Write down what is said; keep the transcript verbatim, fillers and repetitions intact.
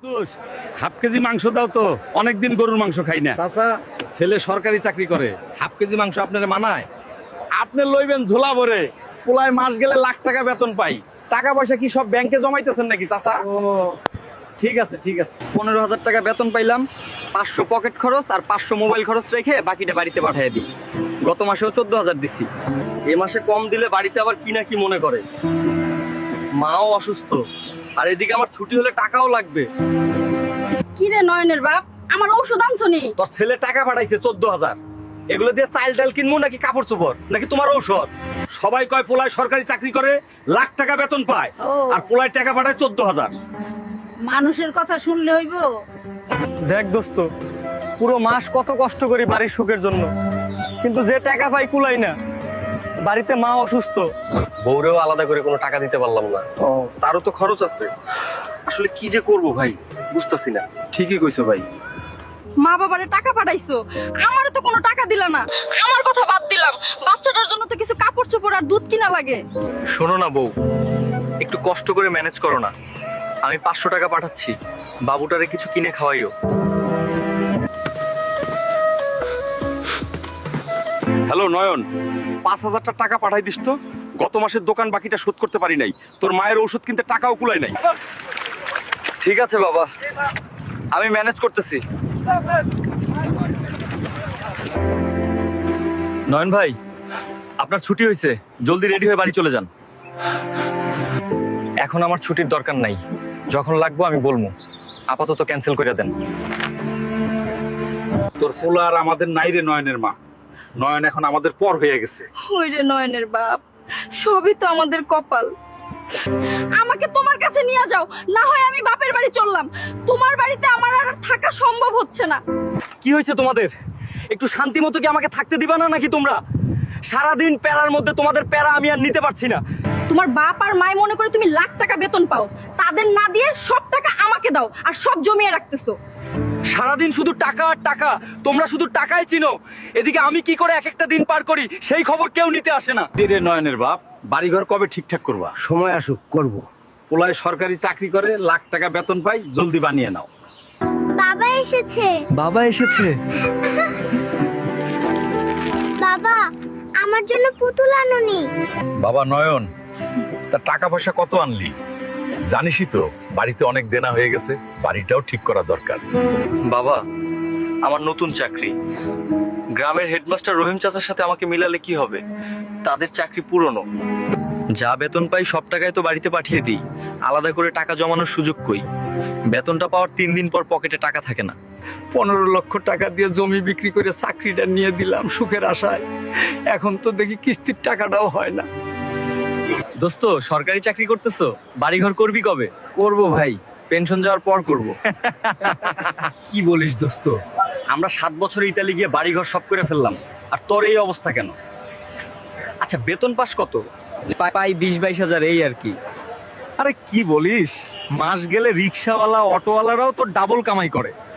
দোষ half KG মাংস দাও তো, অনেকদিন গরুর মাংস খাই না। চাচা ছেলে সরকারি চাকরি করে, হাফ কেজি মাংস আপনার মানায়? আপনি লইবেন ঝোলা ভরে, পোলায় মাস গেলে লাখ টাকা বেতন পাই। টাকা পয়সা কি সব ব্যাংকে জমাইতেছেন নাকি চাচা? ও ঠিক আছে ঠিক আছে, পনেরো হাজার টাকা বেতন পাইলাম, পাঁচশো পকেট খরচ আর পাঁচশো মোবাইল খরচ রেখে বাকিটা বাড়িতে পাঠিয়ে দিই। গত মাসেও চোদ্দ হাজার দিছি, এ মাসে কম দিলে বাড়িতে আবার কি না কি মনে করে। মাও অসুস্থ, আর এদিকে আমার ছুটি হলে টাকাও লাগবে। কি রে নয়নের বাপ, আমার ঔষধ আনছো নি? তোর ছেলে টাকা পাঠাইছে চোদ্দ হাজার, এগুলো দিয়ে চাল ডাল কিনবো নাকি কাপড় চোপড় নাকি তোমার ঔষধ? সবাই কয় পোলায় সরকারি চাকরি করে লাখ টাকা বেতন পায়, ও। আর পোলায় টাকা পাঠায় চোদ্দ হাজার। মানুষের কথা শুনলে হইব? দেখ দোস্ত, পুরো মাস কত কষ্ট করি বাড়ির সুখের জন্য, কিন্তু যে টাকা পাই কুলাই না। বাড়িতে মা অসুস্থ, বউরেও আলাদা করে কোনো টাকা দিতে পারলাম না। ও, তারও তো খরচ আছে। আসলে কি যে করব ভাই, বুঝতাছি না। ঠিকই কইছো ভাই। মা বাবারে টাকা পাঠাইছো, আমারও তো কোনো টাকা দিলা না। আমার কথা বাদ দিলাম, বাচ্চাটার জন্য তো কিছু কাপড় চোপড় আর দুধ কিনা লাগে। শোনো না বউ, একটু কষ্ট করে ম্যানেজ করো না। আমি পাঁচশো টাকা পাঠাচ্ছি, বাবুটারে কিছু কিনে খাওয়াইও। হ্যালো নয়ন, পাঁচ হাজারটা টাকা পাঠাই দিস তো। গত মাসের দোকান বাকিটা শোধ করতে পারি নাই, তোর মায়ের ওষুধ কিনতে টাকাও কুলায় নাই। ঠিক আছে বাবা, আমি ম্যানেজ করতেছি। নয়ন ভাই, আপনার ছুটি হয়েছে, জলদি রেডি হয়ে বাড়ি চলে যান। এখন আমার ছুটির দরকার নাই, যখন লাগবো আমি বলবো। আপাতত ক্যান্সেল করে দেন। তোর পোলা আর আমাদের নাই রে নয়নের মা। নয়ন এখন আমাদের পর হয়ে গেছে। ওই রে নয়নের বাপ, সবই তো আমাদের কপাল। আমাকে তোমার কাছে নিয়ে যাও, না হয় আমি বাপের বাড়ি চললাম। তোমার বাড়িতে আমার আর থাকা সম্ভব হচ্ছে না। কি হয়েছে তোমাদের? একটু শান্তি মতো কি আমাকে থাকতে দিবা না নাকি তোমরা? সারাদিন প্যারার মধ্যে তোমাদের প্যারা আমি আর নিতে পারছি না। তোমার বাপ আর মাই মনে করে তুমি লাখ টাকা বেতন পাও, তাদের না দিয়ে সব টাকা আমাকে দাও আর সব জমিয়ে রাখতেছো। সারাদিন শুধু টাকা আর টাকা, তোমরা শুধু টাকাই চিনো। এদিকে আমি কি করে এক একটা দিন পার করি সেই খবর কেউ নিতে আসে না। কি রে নয়নের বাপ, বাড়িঘর কবে ঠিকঠাক করবা? সময় আসুক, করব। পোলায় সরকারি চাকরি করে লাখ টাকা বেতন পাই, জলদি বানিয়ে নাও। বাবা এসেছে। বাবা এসেছে? বাবা, আমার জন্য পুতুল আনোনি? বাবা নয়ন, তা টাকা পয়সা কত আনলি? জানিসই তো বাড়িতে অনেক দেনা হয়ে গেছে, বাড়িটাও ঠিক করা দরকার। বাবা, আমার নতুন চাকরি, গ্রামের হেডমাস্টার রহিম চাচার সাথে আমাকে মিলালে কি হবে? তাদের চাকরি পুরনো, যা বেতন পাই সব টাকায় তো বাড়িতে পাঠিয়ে দিই। আলাদা করে টাকা জমানোর সুযোগ কই? বেতনটা পাওয়ার তিন দিন পর পকেটে টাকা থাকে না। পনেরো লক্ষ টাকা দিয়ে জমি বিক্রি করে চাকরিটা নিয়ে দিলাম সুখের আশায়। এখন তো দেখি কিস্তির টাকাটাও হয় না। দোস্ত, সরকারি চাকরি করতেছো, বাড়িঘর করবি কবে? করব ভাই, পেনশন যাওয়ার পর করব। কি বলিস দোস্ত? আমরা সাত বছর ইতালি গিয়ে বাড়িঘর সব করে ফেললাম, আর তোর এই অবস্থা কেন? আচ্ছা, বেতন পাস কত? পাই বিশ বাইশ হাজার, এই আর কি। আরে কি বলিস, মাস গেলে রিক্সাওয়ালা অটোওয়ালারাও তো ডাবল কামাই করে।